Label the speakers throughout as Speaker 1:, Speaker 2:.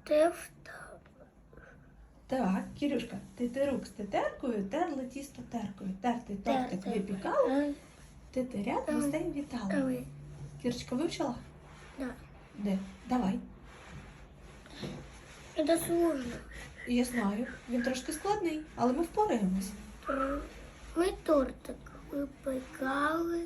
Speaker 1: Так, Кирюшка, тетерук з тетеркою терли тісто теркою. Тертий тортик випікали, тетерят гостей вітали. Кірочка вивчила?
Speaker 2: Да.
Speaker 1: Де? Давай.
Speaker 2: Это сложно.
Speaker 1: Я знаю, він трошки складний, але ми впораємось.
Speaker 2: Ми тортик випікали.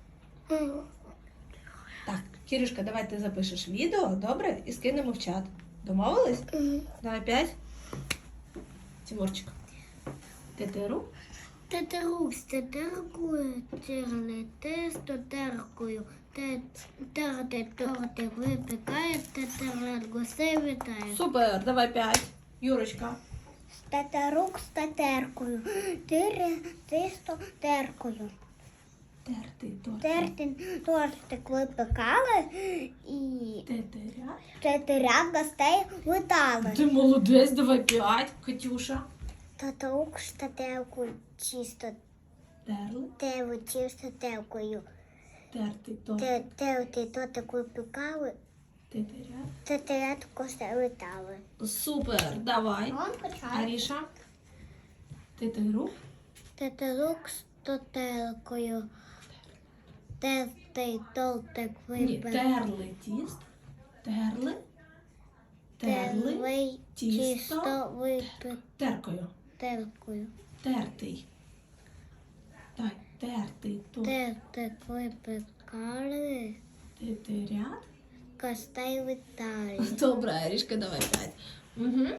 Speaker 1: Так, Кирюшка, давай ти запишеш відео, добре? І скинемо в чат. Домовились? Давай 5. Тимурчик. Тетеру.
Speaker 2: Тетерук з тетеркою терли тесто теркою. Терти тортик випікає, тетерет гостей вітає.
Speaker 1: Супер, давай 5. Юрочка.
Speaker 2: Тетерук з тетеркою. Тире тесто теркою.
Speaker 1: Тертий тортик.
Speaker 2: Тертин тортик випікали і
Speaker 1: Тетеря.
Speaker 2: тетерят гостей вітали.
Speaker 1: Ти молодець, давай 5. Катюша.
Speaker 2: Тетерук з тетеркою чисто
Speaker 1: Терли.
Speaker 2: терли чисто теркою.
Speaker 1: Тертий тортик.
Speaker 2: Терти тортик випікали,
Speaker 1: Тетеря.
Speaker 2: тетерят гостей вітали.
Speaker 1: Супер, давай. Аріша. Тетеру.
Speaker 2: Тетерук з тетеркою. Тертий тортик
Speaker 1: Ні,
Speaker 2: випікали.
Speaker 1: терли тіст. Терли. Терли.
Speaker 2: Терли
Speaker 1: тісто.
Speaker 2: чисто
Speaker 1: Теркою.
Speaker 2: випікали.
Speaker 1: Тертий. Так, тертий тортик.
Speaker 2: Тертик випікали,
Speaker 1: Тетерят.
Speaker 2: гостей вітали.
Speaker 1: Добре, Арішка, давай 5. Угу.